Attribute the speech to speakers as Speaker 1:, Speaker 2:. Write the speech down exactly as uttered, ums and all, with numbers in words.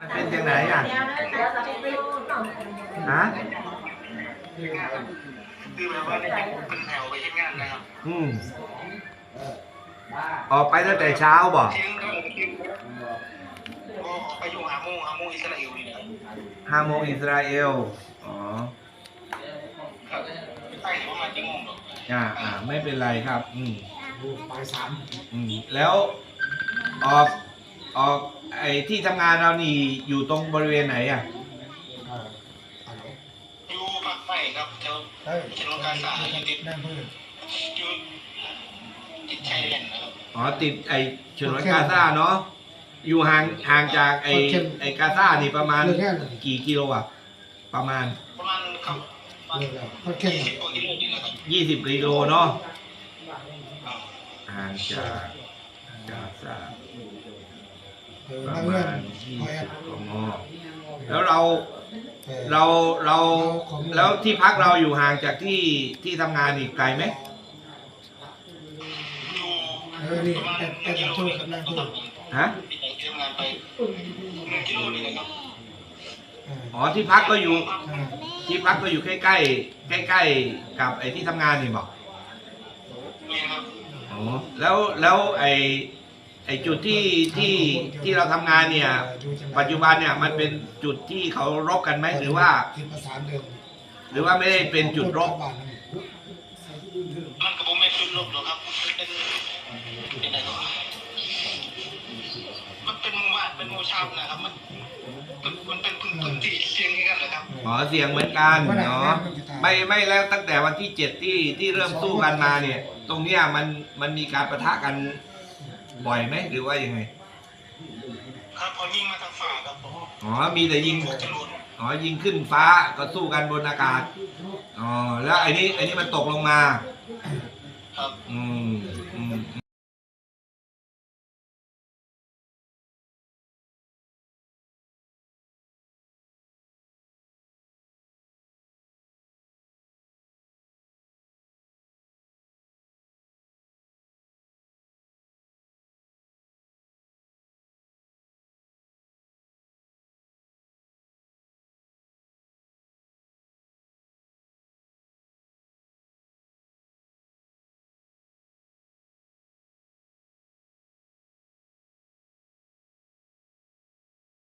Speaker 1: มันเป็นยังไงอ่ะฮะ
Speaker 2: คือแบบว่าเป็นแถวไปที่งานนะครับ
Speaker 1: อืมออกไปตั้งแต่เช้าบ่
Speaker 2: เที่ยงก็ไปอยู่หาโมงหาโมงอิสราเอลนี่นะครับ
Speaker 1: ห้าโมงอิสราเอลอ๋อ
Speaker 2: ครับใช่ประมาณกี่โมงหรอก
Speaker 1: อ่าอ่าไม่เป็นไรครับ อืม
Speaker 3: ปลายสาม
Speaker 1: อืมแล้วออกออกไอ้ที่ทำงานเรานี่อยู่ตรงบริเวณไหนอ่ะ
Speaker 3: อ่าอันนี้
Speaker 2: อยู่ภาคใต้ครับแถว
Speaker 3: เฮ้ย
Speaker 2: ชนวนกาซาอยู่ติด
Speaker 3: นั่งพื้น
Speaker 2: อยู่ติดชายแดนนะครับ
Speaker 1: อ๋อติดไอ้ฉนวนกาซาเนาะอยู่ห่างห่างจากไอ้ไอ้กาซานี่ประมาณ
Speaker 3: เรื่องแค่นั้น
Speaker 1: กี่กิโลอ่ะ ประมาณ
Speaker 2: ประมาณครับประมาณ
Speaker 3: เรื่องแล้วเขาเข้ม
Speaker 2: ยี่สิบกว่ากิโลนี่แหละครับ
Speaker 1: ยี่สิบกิโลเนาะ
Speaker 2: ครับ
Speaker 1: ห่างจากกาซา
Speaker 3: เออ
Speaker 1: ประ
Speaker 3: นั่งเงื่
Speaker 1: มา
Speaker 3: อน
Speaker 1: ณยี่
Speaker 3: คอย
Speaker 1: สิ
Speaker 3: แอบ
Speaker 1: กมแล้วเรา
Speaker 3: เออ
Speaker 1: เราเราแล้วที่พักเราอยู่ห่างจากที่ที่ทำงานอีกไกลไหม
Speaker 2: อยู่
Speaker 3: เออนี่
Speaker 2: ประมาณ
Speaker 3: แอบแอบ
Speaker 2: กิ
Speaker 3: นั่ง
Speaker 2: โล
Speaker 3: พื้น
Speaker 2: นี่
Speaker 3: กับ
Speaker 2: ค
Speaker 3: นั่
Speaker 2: รั
Speaker 3: ง
Speaker 2: บ
Speaker 3: พื้น
Speaker 1: ฮะ
Speaker 2: ที่ไหนที่ทำงานไปหนึ่งกิโลนี่นะครับ
Speaker 3: เออ
Speaker 1: อ๋อที่พักก็อยู่
Speaker 3: เออ
Speaker 1: ที่พักก็อยู่ใกล้ใกล้ใกล้ใกล้ๆกับไอ้ที่ทำงานนี่บอก
Speaker 2: นี่ครับ
Speaker 1: อ๋อแล้วแล้วไอ้ไอ้จุดที่ที่ที่เราทำงานเนี่ย ปัจจุบันเนี่ยมันเป็นจุดที่เขารบกันไหมหรือว่า
Speaker 3: ที่ประสานเดิม
Speaker 1: หรือว่าไม่ได้เป็นจุดรบ
Speaker 2: มันกระผมไม่ขึ้นลบหรอกครับเป็นเป็นอะไรก็มันเป็นหมู่บ้านเป็นหมู่ชาวนะครับมันมันมันเป็นพื้นพื้นที่เสี่ยงกันเลยครับ
Speaker 1: อ๋อเสียงเหมือนกันเนาะไม่ไม่แล้วตั้งแต่วันที่เจ็ดที่ที่เริ่มสู้กันมาเนี่ย ตรงเนี้ยมันมันมีการปะทะกันบ่อยไหมหรือว่ายังไง
Speaker 2: ครับพอยิงมาทางฝ่าครับผม
Speaker 1: อ๋อมีแต่ยิง
Speaker 2: พวกจรวด
Speaker 1: อ๋อยิงขึ้นฟ้าก็สู้กันบนอากาศอ๋อแล้วไอ้นี้ไอ้นี้มันตกลงมา
Speaker 2: ครับ
Speaker 1: อืม